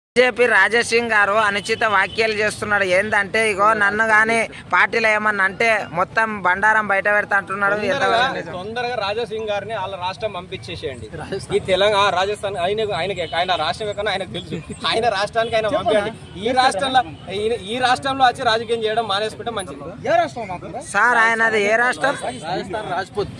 BJP Raja Singh గారు అనుచిత వ్యాఖ్యలు చేస్తున్నాడు. ఏంటంటే ఇగో నన్ను గాని పార్టీలో ఏమన్నా అంటే మొత్తం బండారం బయట పెడతా అంటున్నాడు. తొందరగా రాజాసింగ్ గారిని వాళ్ళ రాష్ట్రం పంపించేసేయండి. ఈ తెలంగాణ రాజస్థాన్ ఆయన రాష్ట్రం ఎక్కడ ఆయనకు తెలుసు. ఆయన రాష్ట్రానికి ఆయన పంపించండి. ఈ రాష్ట్రంలో వచ్చి రాజకీయం చేయడం మానేసుకుంటే మంచిది. సార్ ఆయనది ఏ రాష్ట్రం? రాజ్పూత్.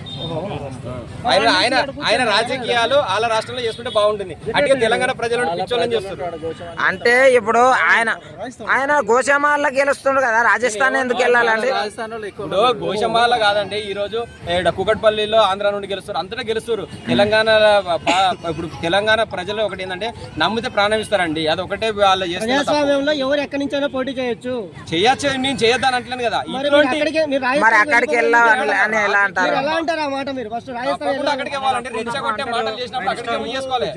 ఆయన రాజకీయాలు వాళ్ళ రాష్ట్రంలో చేసుకుంటే బాగుంటుంది. అంటే తెలంగాణ ప్రజలను పిచ్చోళ్ళని చేస్తున్నారు. అంటే ఇప్పుడు ఆయన గోషమాల గెలుస్తుండు కదా, రాజస్థాన్ ఎందుకు వెళ్ళాలండి? ఇప్పుడు గోషమాల కాదండి, ఈ రోజు కుకట్పల్లిలో ఆంధ్ర నుండి గెలుస్తారు, అంతటా గెలుస్తారు. ఇప్పుడు తెలంగాణ ప్రజలు ఒకటి ఏంటంటే నమ్మితే ప్రాణం ఇస్తారండి. అది ఒకటే వాళ్ళు ప్రజాస్వామ్యంలో ఎవరు ఎక్కడి నుంచైనా పోటీ చేయొచ్చు. నేను చేయొద్దని అంటలేను కదా. మరి అక్కడికి వెళ్ళాలని ఎలా అంటారు? ఎలా అంటారు ఆ మాట? మీరు ఫస్ట్ రాజస్థాన్ అక్కడికి వెళ్ళాలంటే రెచ్చగొట్టే మాటలు చేసినప్పుడు అక్కడికి చేసుకోవాలి.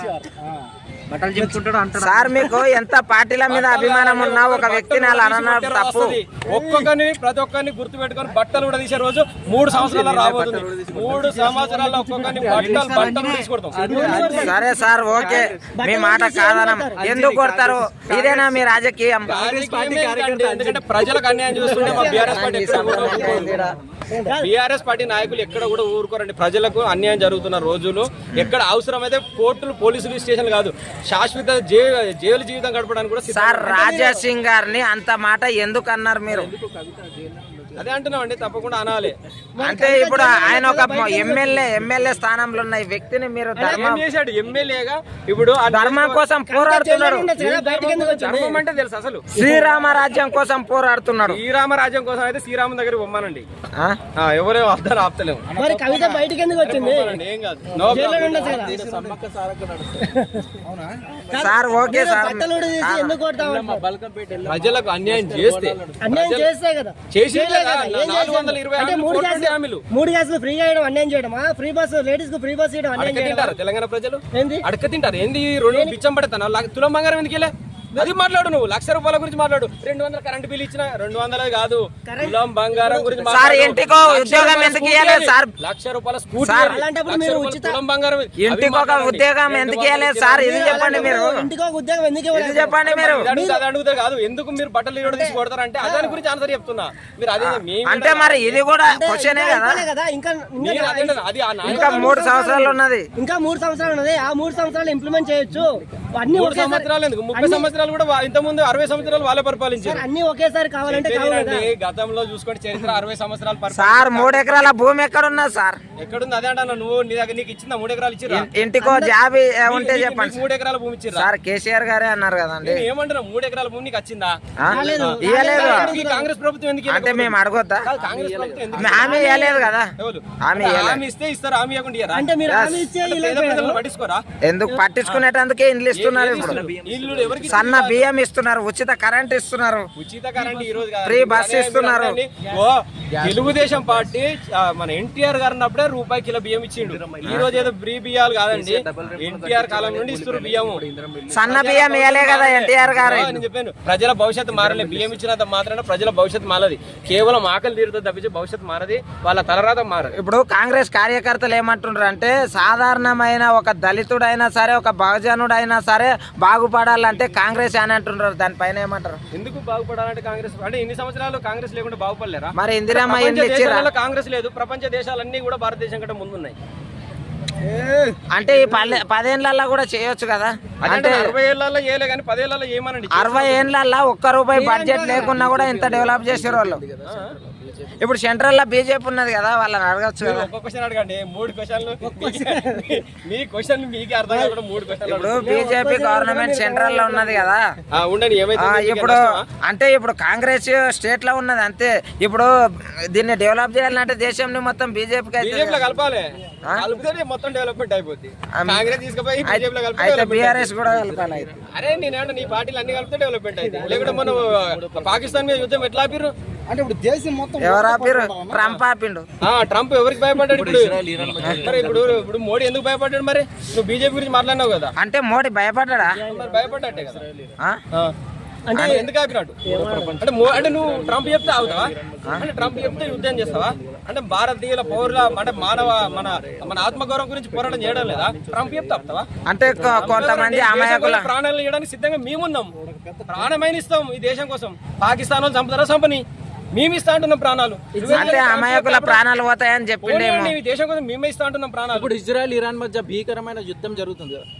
సార్ మీకు ఎంత పార్టీల మీద అభిమానం ఉన్నా ఒక వ్యక్తిని అలా అనడం తప్పు. ఒక్కొక్కరిని ప్రతి ఒక్కరిని గుర్తు పెట్టుకొని బట్టలు కూడా తీసే రోజు 3 సంవత్సరాలు రాబోతుంది. 3 సంవత్సరాల్లో ఒక్కొక్కరిని బట్టలు తీసుకొడతాం. సరే సార్, ఓకే, మీ మాట కాదనం. ఎందుకు కొడతారు? ఇదేనా మీ రాజకీయం? ఎందుకంటే ప్రజలకు అన్యాయం చూస్తుంటే మా బీఆర్ఎస్ పార్టీ నాయకులు ఎక్కడ కూడా ఊరుకోరండి. ప్రజలకు అన్యాయం జరుగుతున్న రోజులు ఎక్కడ అవసరమైతే కోర్టులు, పోలీసులు స్టేషన్లు కాదు, శాశ్వత జైలు జీవితం గడపడానికి కూడా. సార్ రాజాసింగ్ గారిని అంత మాట ఎందుకు అన్నారు మీరు? అదే అంటున్నాం అండి, తప్పకుండా అనాలి. అంటే ఇప్పుడు ఆయన ఒక ఎమ్మెల్యే స్థానంలో ఉన్న ఈ వ్యక్తిని మీరు చేశాడు ఎమ్మెల్యేగా. ఇప్పుడు ధర్మం కోసం పోరాడుతున్నాడు. ధర్మం అంటే తెలుసు అసలు శ్రీరామరాజ్యం కోసం పోరాడుతున్నాడు. శ్రీరామరాజ్యం కోసం అయితే శ్రీరామ దగ్గర బొమ్మనండి, ఎవరో అర్థాలు ఆపుతలేము. మరి కవిత బయటకి ఎందుకు వచ్చింది? ఏం కాదు సార్, ఓకే సార్. ప్రజలకు అన్యాయం చేస్తే కదా చేసి 3 గ్యాసులు ఫ్రీ చేయడం అన్యాయం చేయడమా? ఫ్రీ బస్ లేడీస్ కు ఫ్రీ బస్ చేయడం అన్యాయం చేయడం? తెలంగాణ ప్రజలు అడక తింటారు. ఏంది 2 బిచ్చం పడతాను తులం బంగారం ఎందుకు? అది మాట్లాడు, నువ్వు 1,00,000 రూపాయల గురించి మాట్లాడు. 200 కరెంట్ బిల్ ఇచ్చిన 200 కాదు, తులం బంగారం గురించి సార్. ఇంటికో ఉద్యోగం ఎందుకు ఇవ్వలేదు సార్? 1,00,000 రూపాయల స్కూటీ, అలాంటప్పుడు మీరు తులం బంగారం. ఇంటికి ఒక ఉద్యోగం ఎందుకు ఇవ్వలేదు సార్? ఇది చెప్పండి మీరు. ఇంటికి ఒక ఉద్యోగం ఎందుకు ఇవ్వలేదు చెప్పండి మీరు. అది అడుగుతారు కాదు, ఎందుకు మీరు బట్టలు ఇవ్వడం తీసి కొడతారంటే అదాని గురించి ఆన్సర్ చెప్తున్నా. మీరు అదే అంటే మరి ఇది కూడా క్వశ్చనే కదా. ఇంకా 3 సంవత్సరాలు ఉన్నది. ఇంకా 3 సంవత్సరాలు ఉన్నది. ఆ 3 సంవత్సరాలు ఇంప్లిమెంట్ చేయొచ్చు. అన్ని 3 సంవత్సరాలు ఎందుకు? 30 సంవత్సరాలు కూడా ఇంత ముందు 60 సంవత్సరాలు వాళ్ళే పరిపాలించారు. అన్ని ఒకేసారి కావాలంటే గతంలో చూసుకుంటే చరిత్ర 60 సంవత్సరాలు సార్. 3 ఎకరాల భూమి ఎక్కడ ఉన్నది సార్? ఎక్కడుంది? అదే అంటా నువ్వు, నీ దగ్గర నీకు ఇచ్చిందా? 3 ఎకరాలు ఇచ్చిరా? ఇంటికో జాబ్ ఉంటే చెప్పండి. 3 ఎకరాల భూమి ఇచ్చిరా సార్? కేసీఆర్ గారే అన్నారు కదండి. ఏమంటున్నా? 3 ఎకరాల భూమి నీకు వచ్చిందా? ఇవ్వలేదు. కాంగ్రెస్ ప్రభుత్వం ఎందుకు అంటే మేము అడగొద్దా? కాంగ్రెస్ ప్రభుత్వం హామీ ఇవ్వలేదు కదా. హామీ ఇస్తే ఇస్తారు, హామీ ఇవ్వకుండా అంటే మీరు హామీ ఇచ్చే పట్టించుకోరా? ఎందుకు పట్టించుకునేటందుకే ఇండ్లు ఇస్తున్నారు. ఇల్లు ఎవరికి? సన్న బియ్యం ఇస్తున్నారు, ఉచిత కరెంట్ ఇస్తున్నారు, ఉచిత కరెంట్ ఈ రోజు ఫ్రీ బస్ ఇస్తున్నారు. తెలుగుదేశం పార్టీ మన ఎన్టీఆర్ గారు ఉన్నప్పుడే రూపాయి కిలో బియ్యం ఇచ్చిండు. ఈ రోజు ఏదో ఫ్రీ బియ్యాలు కాదండి, ఎన్టీఆర్ కాలం నుండి ఇస్తున్నారు బియ్యము. సన్న బియ్యం ఇవ్వలే కదా ఎన్టీఆర్ గారు. నేను చెప్పాను, ప్రజల భవిష్యత్తు మారలే. బియ్యం ఇచ్చినంత మాత్రాన ప్రజల భవిష్యత్తు మారది. కేవలం ఆకలి తీరుతుంది తప్పించి భవిష్యత్తు మారది, వాళ్ళ తలరాత మారదు. ఇప్పుడు కాంగ్రెస్ కార్యకర్తలు ఏమంటున్నారు అంటే, సాధారణమైన ఒక దళితుడైనా సరే, ఒక బహుజనుడైనా సరే బాగుపడాలంటే కాంగ్రెస్ అని అంటున్నారు. దానిపైన ఏమంటారు? ఎందుకు బాగుపడాలంటే కాంగ్రెస్ అంటే ఇన్ని సంవత్సరాలు కాంగ్రెస్ లేకుండా బాగుపడలేరా? మరి ఇందిరమ్మ కాంగ్రెస్ లేదు, ప్రపంచ దేశాలన్నీ కూడా భారతదేశం కంటే ముందున్నాయి. అంటే ఈ 10 ఏళ్లలో కూడా చేయొచ్చు కదా. అంటే 60 ఏళ్లలో చేయలే కానీ 10 ఏళ్లలో ఏమనండి. 60 ఏళ్లలో ₹1 బడ్జెట్ లేకున్నా కూడా ఇంత డెవలప్ చేసారు వాళ్ళు. ఇప్పుడు సెంట్రల్ లో బీజేపీ ఉన్నది కదా, వాళ్ళని అడగచ్చు కదా. ఒక క్వశ్చన్ అడగండి, 3 క్వశ్చన్లు మీ క్వశ్చన్ మీకే అర్థం కాకుండా 3 క్వశ్చన్లు. ఇప్పుడు బీజేపీ గవర్నమెంట్ సెంట్రల్ లో ఉన్నది కదా. ఉండండి, ఇప్పుడు అంటే ఇప్పుడు కాంగ్రెస్ స్టేట్ లో ఉన్నది అంతే. ఇప్పుడు దీన్ని డెవలప్ చేయాలంటే దేశంని మొత్తం బీజేపీకి కలపాలి. కలిపితే మొత్తం డెవలప్మెంట్ అయిపోద్ది. కాంగ్రెస్ తీసుకుపోయి అయితే బీఆర్ఎస్ కూడా కలపాలి. అరే నేనంటే నీ పార్టీలు అన్ని కలిపితే డెవలప్మెంట్ అయింది. లేకుంటే మనం పాకిస్తాన్ మీద యుద్ధం ఎట్లా ఆపిర్రు? అంటే ఇప్పుడు దేశం మొత్తం ఎవరు ఆపిర్రు? ట్రంప్ ఆపిండు. ట్రంప్ ఎవరికి భయపడ్డాడు? ఇప్పుడు మోడీ ఎందుకు భయపడ్డాడు? మరి నువ్వు బీజేపీ గురించి మాట్లాడినావు కదా. అంటే మోడీ భయపడ్డా? భయపడ్డాటే కదా. అంటే ఎందుకు ఆపినట్టు అంటే నువ్వు ట్రంప్ చెప్తే అవుతావా? అంటే ట్రంప్ చెప్తే యుద్ధం చేస్తావా? అంటే భారతీయుల పౌరుల అంటే మానవ మన మన ఆత్మగౌరవం గురించి పోరాటం చేయడం లేదా? ట్రంప్ చెప్తే ఆపుతావా? అంటే కొంతమంది అమాయకుల ప్రాణాలు ఇవ్వడానికి సిద్ధంగా మేమున్నాం. ప్రాణమైన ఇస్తాం ఈ దేశం కోసం. పాకిస్తాన్ వాళ్ళు చంపుతారా చంపని, మేము ఇస్తా అంటున్నాం ప్రాణాలు. అంటే అమాయకుల ప్రాణాలు పోతాయని చెప్పిండేమో. ఈ దేశం కోసం మేమే ఇస్తా అంటున్నాం ప్రాణాలు. ఇప్పుడు ఇజ్రాయెల్ ఇరాన్ మధ్య భీకరమైన యుద్ధం జరుగుతుంది కదా,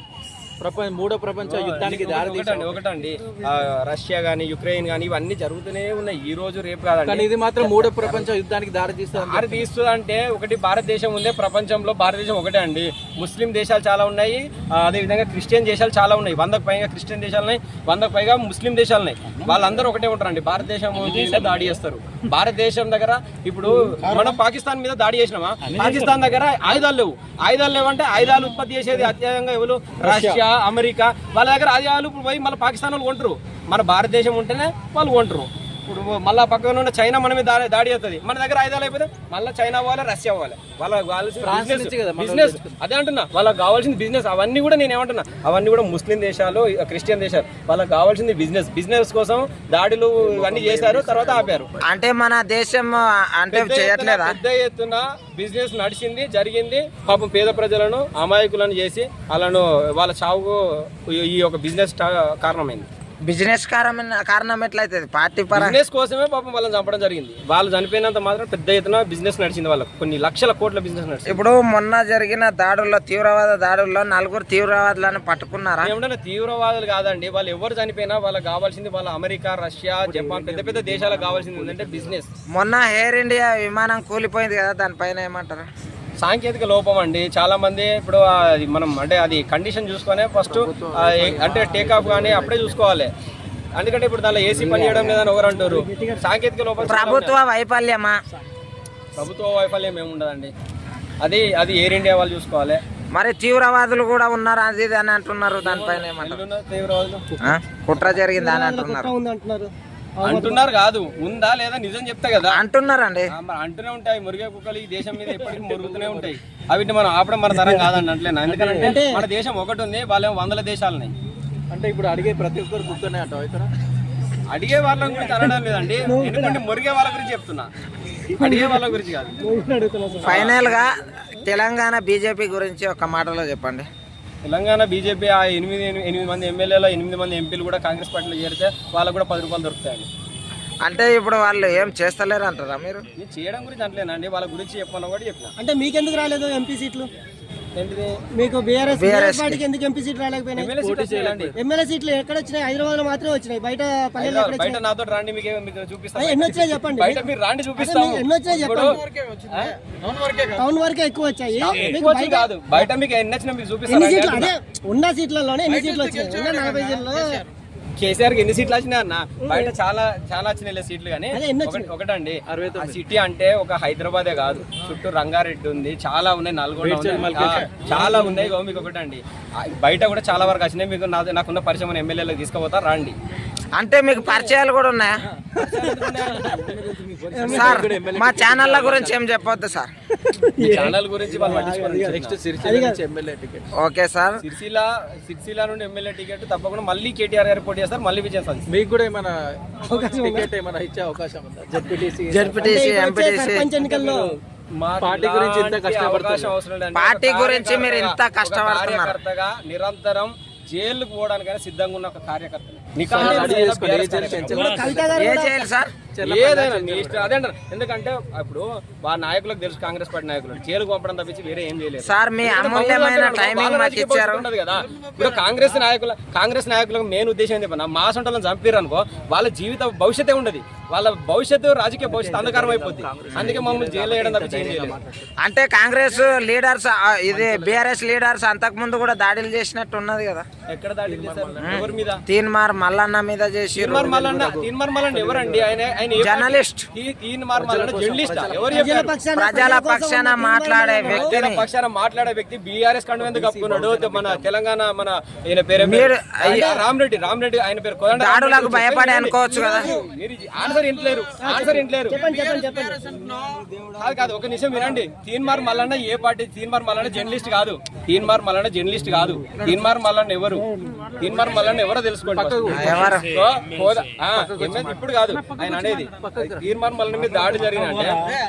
మూడో ప్రపంచ యుద్ధానికి ఒకటండి రష్యా గానీ యుక్రెయిన్ గానీ ఇవన్నీ జరుగుతూనే ఉన్నాయి. ఈ రోజు రేపు కాదండి. కానీ ఇది మాత్రం మూడో ప్రపంచ యుద్ధానికి దారి తీస్తుంది. అంటే ఒకటి భారతదేశం ఉందే ప్రపంచంలో, భారతదేశం ఒకటే అండి. ముస్లిం దేశాలు చాలా ఉన్నాయి, అదే విధంగా క్రిస్టియన్ దేశాలు చాలా ఉన్నాయి. 100కు పైగా క్రిస్టియన్ దేశాలు ఉన్నాయి, 100కు పైగా ముస్లిం దేశాలు ఉన్నాయి. వాళ్ళందరూ ఒకటే ఉంటారండి. భారతదేశం మీద దాడి చేస్తారు. భారతదేశం దగ్గర ఇప్పుడు మనం పాకిస్తాన్ మీద దాడి చేసినామా, పాకిస్తాన్ దగ్గర ఆయుధాలు లేవు. ఆయుధాలు లేవంటే ఆయుధాలు ఉత్పత్తి చేసేది అత్యధికంగా ఎవరు? Russia, America. వాళ్ళ దగ్గర ఆయుధాలు పోయి మళ్ళీ పాకిస్తాన్ వాళ్ళు కొంటారు. మన భారతదేశం ఉంటేనే వాళ్ళు కొంటారు. ఇప్పుడు మళ్ళీ పక్కన ఉన్న చైనా మన మీద దాడి అవుతుంది. మన దగ్గర ఆయుధాలు అయిపోతే మళ్ళీ చైనా పోవాలి, రష్యా పోవాలి. వాళ్ళకి కావాల్సిన బిజినెస్, అదే అంటున్నా, వాళ్ళకి కావాల్సింది బిజినెస్. అవన్నీ కూడా నేను ఏమంటున్నా, అవన్నీ కూడా ముస్లిం దేశాలు, క్రిస్టియన్ దేశాలు. వాళ్ళకి కావాల్సింది బిజినెస్. బిజినెస్ కోసం దాడులు ఇవన్నీ చేశారు, తర్వాత ఆపారు. అంటే మన దేశం అంటే చేయట్లేదా? పెద్ద ఎత్తున బిజినెస్ నడిచింది, జరిగింది. పాపం పేద ప్రజలను అమాయకులను చేసి వాళ్ళను వాళ్ళ చావుకు ఈ యొక్క బిజినెస్ కారణమైంది. బిజినెస్ కారణం ఎట్లయితుంది? పార్టీ బిజినెస్ కోసమే పాపం వాళ్ళని చంపడం జరిగింది. వాళ్ళు చనిపోయినంత మాత్రం పెద్ద ఎత్తున బిజినెస్ నడిచింది. వాళ్ళకి కొన్ని లక్షల కోట్ల బిజినెస్ నడిచింది. ఇప్పుడు మొన్న జరిగిన దాడుల్లో, తీవ్రవాద దాడుల్లో 4 తీవ్రవాదులను పట్టుకున్నారా? ఏమంటే తీవ్రవాదులు కాదండి. వాళ్ళు ఎవరు చనిపోయినా వాళ్ళకి కావాల్సింది వాళ్ళ అమెరికా, రష్యా, జపాన్ పెద్ద పెద్ద దేశాలకు కావాల్సింది ఏంటంటే బిజినెస్. మొన్న ఎయిర్ ఇండియా విమానం కూలిపోయింది కదా, దానిపైన ఏమంటారు? సాంకేతిక లోపం అండి. చాలా మంది ఇప్పుడు మనం అంటే అది కండిషన్ చూసుకొని ఫస్ట్ అంటే టేక్ ఆఫ్ కానీ అప్పుడే చూసుకోవాలి. ఎందుకంటే ఇప్పుడు దానిలో ఏసీ పని చేయడం లేదని ఎవరు అంటారు. సాంకేతిక లోపం. ప్రభుత్వ వైఫల్యమా? ప్రభుత్వ వైఫల్యం ఏముండదండి. అది ఎయిర్ ఇండియా వాళ్ళు చూసుకోవాలి. మరి తీవ్రవాదులు కూడా ఉన్నారు అది అని అంటున్నారు. దానిపైన ఏమంటారు? తీవ్రవాదులు కుట్ర జరిగింది అని అంటున్నారు. అంటున్నారు కాదు, ఉందా లేదా నిజం చెప్తా కదా అంటున్నారండి. అంటూనే ఉంటాయి. మురిగే కుక్కలు ఈ దేశం మీద ఎప్పటికీ మురుగుతూనే ఉంటాయి. అవిటిని మనం ఆపడం మన తరం కాదండి. అంటలేనా? ఎందుకంటే మన దేశం ఒకటి ఉంది, వాళ్ళేమో 100 దేశాలున్నాయి. అంటే ఇప్పుడు అడిగే ప్రతి ఒక్కరు కుక్కనే అంటావు ఇక్కడ. అడిగే వాళ్ళ గురించి అనడం లేదండి, ఎందుకంటే మురిగే వాళ్ళ గురించి చెప్తున్నా, అడిగే వాళ్ళ గురించి కాదు. ఫైనల్ గా తెలంగాణ బీజేపీ గురించి ఒక మాటలో చెప్పండి. తెలంగాణ బీజేపీ ఆ 8 మంది ఎమ్మెల్యేలు, 8 మంది ఎంపీలు కూడా కాంగ్రెస్ పార్టీలో చేరితే వాళ్ళకు కూడా 10 రూపాయలు దొరుకుతాయండి. అంటే ఇప్పుడు వాళ్ళు ఏం చేస్తలేరు అంటారా మీరు? నేను చేయడం గురించి అంటలేనండి, వాళ్ళ గురించి చెప్పమని కూడా చెప్పిన. అంటే మీకెందుకు రాలేదు ఎంపీ సీట్లు? మీకు బీఆర్ఎస్ పార్టీకి ఎందుకు ఎంపీ సీట్లు రాలేకపోయినాయి? ఎమ్మెల్యే సీట్లు ఎక్కడ వచ్చినాయి? హైదరాబాద్ లో మాత్రమే వచ్చినాయి. బయట పల్లెల్లో బయట నాతో రాండి, మీకు చూపిస్తాను. ఎన్ని వచ్చినాయి చెప్పండి. బయట మీరు రాండి చూపిస్తాము. ఎన్ని వచ్చినాయి చెప్పండి. టౌన్ వరకే ఎక్కువ వచ్చాయి. కాదు, బయట మీకు ఎన్ని వచ్చినా మీకు ఎన్ని సీట్లు? చూపిస్తాను. అదే ఉన్న సీట్లలోనే ఎన్ని సీట్లు వచ్చినాయి? ఉన్న 40 సీట్లలో కేసీఆర్ కి ఎన్ని సీట్లు వచ్చినాయి అన్న? బయట చాలా వచ్చినాయి సీట్లు. కానీ ఒకటండి, ఆ సిటీ అంటే ఒక హైదరాబాదే కాదు, చుట్టూ రంగారెడ్డి ఉంది, చాలా ఉన్నాయి, నల్గొండ చాలా ఉన్నాయి. మీకు ఒకటండి, బయట కూడా చాలా వరకు వచ్చినాయి. మీకు నాకున్న పరిచయం ఎమ్మెల్యేలకు తీసుకుపోతా రండి. అంటే మీకు పరిచయాలు కూడా ఉన్నాయా సార్? మా ఛానళ్ళ గురించి ఏం చెప్పొద్దు సార్. ఛానల్ గురించి ఓకే సార్. సిరిసిల్ల నుండి ఎమ్మెల్యే టికెట్ తప్పకుండా మళ్ళీ కేటీఆర్ గారు పోటీ చేస్తారు, మళ్ళీ విజయం సాధిస్తారు. మీకు కూడా ఏమైనా టికెట్ ఏమైనా ఇచ్చే అవకాశం ఉందా? జెడ్పీటీసీ, ఎంపీటీసీ ఎన్నికల్లో పార్టీ గురించి ఇంత కష్టపడుతున్నారు. పార్టీ గురించి మీరు ఇంత కష్టపడుతున్నారు. నిరంతరం జైలుకు పోవడానికైనా సిద్ధంగా ఉన్న ఒక కార్యకర్త. ఏదైనా నీ ఇష్టం, అదే అంటారు. ఎందుకంటే ఇప్పుడు వాళ్ళ నాయకులకు తెలుసు, కాంగ్రెస్ పార్టీ నాయకులు జైలుకు పంపడం తప్పించి వేరే ఏం చేయలేదు సార్. మీ అమూల్యమైన టైమింగ్ మాకు ఇచ్చారు కదా. ఇప్పుడు కాంగ్రెస్ నాయకులకు మెయిన్ ఉద్దేశం ఏంటి? మా సొంటలను చంపారు అనుకో, వాళ్ళ జీవిత భవిష్యత్తే ఉండదు. వాళ్ళ భవిష్యత్తు, రాజకీయ భవిష్యత్తు అంధకారం అయిపోద్ది. అందుకే మమ్మల్ని జైలు వేయడం తప్పించి ఏం చేయలేదు. అంటే కాంగ్రెస్ లీడర్స్, ఇది బీఆర్ఎస్ లీడర్స్ అంతకు ముందు కూడా దాడులు చేసినట్టు ఉన్నది కదా. ఎక్కడ దాడులు చేశారు? ఎవరి మీద? తీన్మార్ మల్లన్న మీద చేసి. తీన్మార్ మల్లన్న ఎవరండి? ఆయన జర్నలిస్ట్. తీన్మార్ మల్లన్న జర్నలిస్ట్. ఎవరు? ప్రజల పక్షాన మాట్లాడే వ్యక్తి. బీఆర్ఎస్ కండు ఎందుకు కప్పుకున్నాడు? మన తెలంగాణ మన ఈయన పేరు రామరెడ్డి, ఆయన పేరు కోదండ. దాడులకు భయపడి అనుకోవచ్చు కదా. ఆన్సర్ ఇంట్లేరు. కాదు, ఒక నిమిషం వినండి. తీన్మార్ మల్లన్న ఏ పార్టీ? తీన్మార్ మల్లన్న జర్నలిస్ట్ కాదు. తీన్మార్ మల్లన్న ఎవరు? ఎవరు తీన్మార్ మల్లన్న ఎవరో తెలుసుకోండి ఎవరు ఇప్పుడు కాదు ఆయన అనేది తీన్మార్ మల్లన్న మీద దాడి జరిగినంటే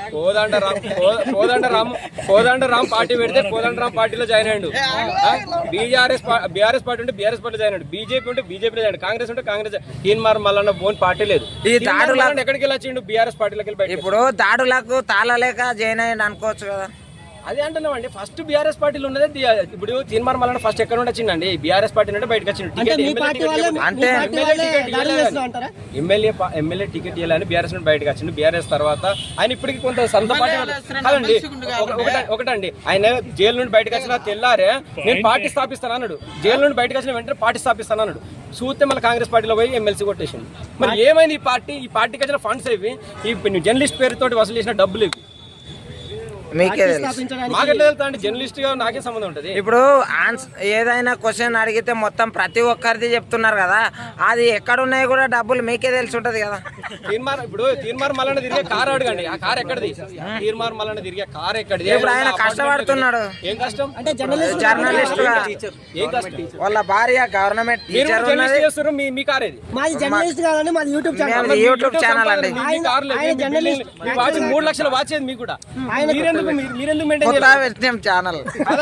కోదండరామ్ పార్టీ పెడితే కోదండరామ్ పార్టీలో జాయిన్ అయ్యాడు, బీఆర్ఎస్ పార్టీ ఉంటే బీఆర్ఎస్ పార్టీ జాయిన్ అయ్యాడు, బీజేపీ ఉంటే బీజేపీ జాయిన్, కాంగ్రెస్ ఉంటే కాంగ్రెస్. తీన్మార్ మల్లన్న బోన్ పార్టీ లేదు. ఈ దాడులకు ఎక్కడికి వెళ్ళొచ్చిండు? బీఆర్ఎస్ పార్టీలోకి వెళ్ళి. ఇప్పుడు దాడులకు తాళలేక జాయిన్ అయ్యండి అనుకోవచ్చు కదా. అదే అంటున్నామండి, ఫస్ట్ బీఆర్ఎస్ పార్టీలో ఉన్నది. ఇప్పుడు తీన్మార్ మల్లన్న ఫస్ట్ ఎక్కడ నుండి వచ్చిందండి? బీఆర్ఎస్ పార్టీ నుండి బయటకు వచ్చిండు. ఎమ్మెల్యే టికెట్ ఇవ్వాలని బీఆర్ఎస్ నుండి బయటకు వచ్చిండు. బీఆర్ఎస్ తర్వాత ఆయన ఇప్పటికి కొంత సొంత పార్టీ కాదండి. ఒకటండి, ఆయన జైలు నుండి బయటకు వచ్చిన తెల్లారే నేను పార్టీ స్థాపిస్తాను అన్నాడు. జైలు నుండి బయటకు వచ్చిన వెంటనే పార్టీ స్థాపిస్తాను అన్నాడు. చూస్తే మళ్ళీ కాంగ్రెస్ పార్టీలో పోయి ఎమ్మెల్సీ కొట్టేసిండు. మరి ఏమైంది? ఈ పార్టీకి వచ్చిన ఫండ్స్ ఇవి, ఈ జర్నలిస్ట్ పేరుతోటి వసూలు చేసిన డబ్బులు ఇవి. మీకే తెలుసు. మాకెట్లా తెలుస్తా అండి? జర్నలిస్ట్ గా నాకే సంబంధం ఉంటది. ఇప్పుడు ఏదైనా క్వశ్చన్ అడిగితే మొత్తం ప్రతి ఒక్కరిది చెప్తున్నారు కదా, అది ఎక్కడ ఉన్నాయి కూడా డబ్బులు మీకే తెలిసి ఉంటది కదా. తీన్మార్ మల్లన్న తిరిగే కార్ అడగండి, ఆ కార్ ఎక్కడిది? తీన్మార్ మల్లన్న తిరిగే కార్ ఎక్కడిది? ఇప్పుడు ఆయన కష్టపడుతున్నాడు. ఏం కష్టం? అంటే జర్నలిస్ట్ గా ఏం కష్టం? వాళ్ళ భార్య గవర్నమెంట్ టీచర్ ఉన్నది. చేస్తారు. మీ కార్ ఏది? మాది జర్నలిస్ట్ కాదండి, మాది యూట్యూబ్ ఛానల్. యూట్యూబ్ ఛానల్ అండి. 3 లక్షల వాచ్ ఏది మీకు కూడా? మీరెందుకు మెయింటైన్ కొత్త విషయం ఛానల్.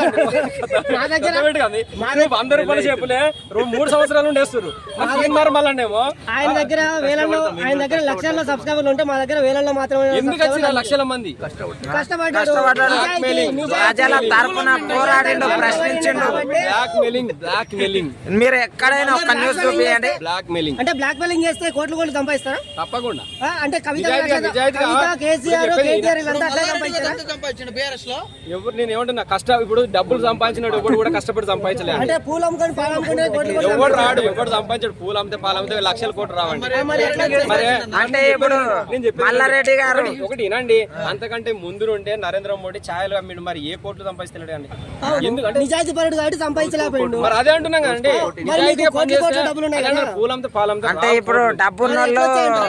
₹100 చెప్పులే 3 సంవత్సరాల నుండి వేస్తారు. తీన్మార్ మల్లన్నేమో ఆయన దగ్గర లక్షల్లో సబ్స్క్రైబర్లు ఉంటే మా దగ్గర వేలల్లో మాత్రమే. ఎందుకు వచ్చిన లక్షల మంది? కష్టపడ్డాడు, ప్రజల తరపున పోరాడిండు, ప్రశ్నించిండు. బ్లాక్ మెయిలింగ్ మీరు ఎక్కడైనా ఒక న్యూస్ చూపించండి. బ్లాక్ మెయిలింగ్ అంటే బ్లాక్ మెయిలింగ్ చేస్తే కోట్లు సంపాదిస్తారా? తప్పకుండా. అంటే కవిత, కేసీఆర్, కేటీఆర్ వీళ్ళంతా అట్లా సంపాదించారా? ఎవరు నేను ఏమంటున్నా, కష్టం. ఇప్పుడు డబ్బులు సంపాదించినాడు ఎవడు కూడా కష్టపడి సంపాదించలేదు. అంటే పూలు అమ్ముకొని పాలు అమ్ముకునే ఎవడు రాడు, ఎవడు సంపాదించాడు? పూలు అమ్మితే పాలు అమ్మితే లక్షల కోట్లు రావండి. అంటే ఇప్పుడు మల్లారెడ్డి గారు ఒకటి వినండి, అంతకంటే ముందు నుండే నరేంద్ర మోడీ ఛాయలు అమ్మిడు. మరి ఏ కోట్లు సంపాదిస్తున్నాడు అండి? ఎందుకంటే నిజాయితీ పరుడు కాబట్టి సంపాదించలేకపోయిండు. మరి అదే అంటున్నాం కదండి, డబ్బులు ఉన్నాయి. పూలు అమ్మితే పాలు అమ్మితే. అంటే ఇప్పుడు డబ్బున్న వాళ్ళు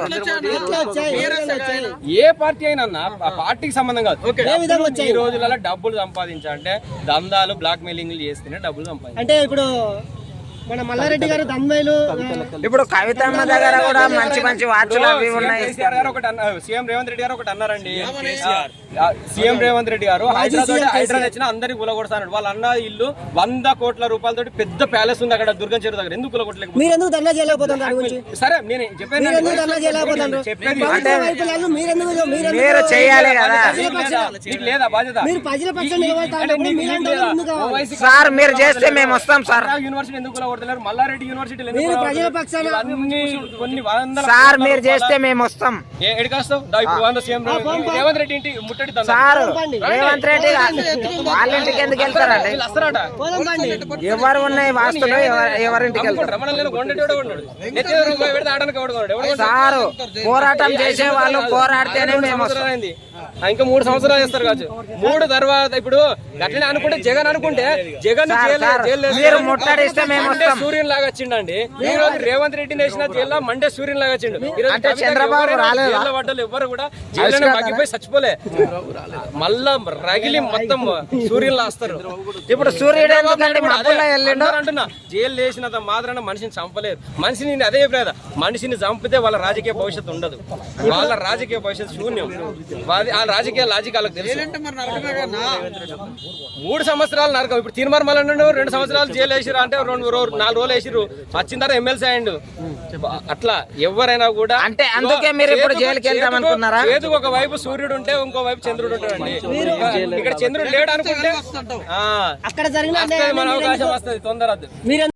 ఏ పార్టీ అయినా ఆ పార్టీకి సంబంధం కాదు. ఈ రోజులలో డబ్బులు సంపాదించాలంటే దందాలు, బ్లాక్ మెయిలింగ్ చేస్తేనే డబ్బులు సంపాదించాలి. అంటే ఇప్పుడు మన మల్లారెడ్డి గారు దందాలు, ఇప్పుడు కవితమ్మ దగ్గర కూడా మంచి వాచ్లు అవి ఉన్నాయి. సీఎం రేవంత్ రెడ్డి గారు ఒకటి అన్నారండి. సీఎం రేవంత్ రెడ్డి గారు హైదరాబాద్ వచ్చిన అందరికి గులగొడతాడు. వాళ్ళ అన్న ఇల్లు 100 కోట్ల రూపాయలతో పెద్ద ప్యాలెస్ ఉంది అక్కడ దుర్గం చెరువు దగ్గర. ఎందుకు గులగొట్టలేదు? మీరు ఎందుకు ధర్నా చేయలేకపోతున్నారు? సరే నేను చెప్పాను, మీరు చేయాలి కదా లేదా బాధ్యత? మీరు ప్రజల పక్షాన నిలబడతారు సార్. మీరు చేస్తే మేము వస్తాం సార్. యూనివర్సిటీ ఎందుకు మల్లారెడ్డి యూనివర్సిటీ ప్రజల పక్షాన కొన్ని వందల సార్ మీరు చేస్తే మేము వస్తాం. ఎడికొస్తాం? ఇప్పుడు సీఎం రేవంత్ రెడ్డి ఇంటి ముట్టడి సార్. రేవంత్ రెడ్డి వాళ్ళ ఇంటికి ఎందుకు వెళ్తారండి? ఎవరు ఉన్నాయి వాస్తులు, ఎవరింటికి వెళ్తారు? సార్ పోరాటం చేసే వాళ్ళు పోరాడితేనే మేము వస్తాం. ఇంకా 3 సంవత్సరాలు చేస్తారు కావచ్చు. 3 తర్వాత ఇప్పుడు అట్లనే అనుకుంటే జగన్ మీరు ముట్టడిస్తే మేము సూర్యుని లాగా వచ్చిండండి. ఈ రోజు రేవంత్ రెడ్డి వేసిన జైల్లో మండే సూర్యుని లాగా వచ్చిండు. అంటే చంద్రబాబు పడ్డలు ఎవరు కూడా జైల్లో మగ్గిపోయి చచ్చిపోలే, మళ్ళా రగిలి మొత్తం సూర్యుని లాస్తారు. ఇప్పుడు సూర్యుడు అంటున్నా, జైలు వేసినంత మాత్రాన మనిషిని చంపలేరు. మనిషిని అదే చెప్పలేదు, మనిషిని చంపితే వాళ్ళ రాజకీయ భవిష్యత్తు ఉండదు. వాళ్ళ రాజకీయ భవిష్యత్తు శూన్యం. ఆ రాజకీయ లాజిక్ వాళ్ళకి తెలుసు. 3 సంవత్సరాలు నరకం. ఇప్పుడు తీన్మార్ మల్లన్న 2 సంవత్సరాలు జైలు వేసిరు అంటే 4 రోజులు వేసిరు. వచ్చిన తర్వాత ఎమ్మెల్సీ అయ్యిండు. అట్లా ఎవరైనా కూడా అంటే అందుకే మీరు ఇప్పుడు జైలుకి వెళ్తాం అనుకున్నారా? ఏదో ఒక వైపు సూర్యుడు ఉంటే ఇంకో వైపు చంద్రుడు ఉంటాడండి. ఇక్కడ చంద్రుడు లేడు అనుకుంటే అక్కడ జరిగిన మన అవకాశం వస్తుంది తొందర.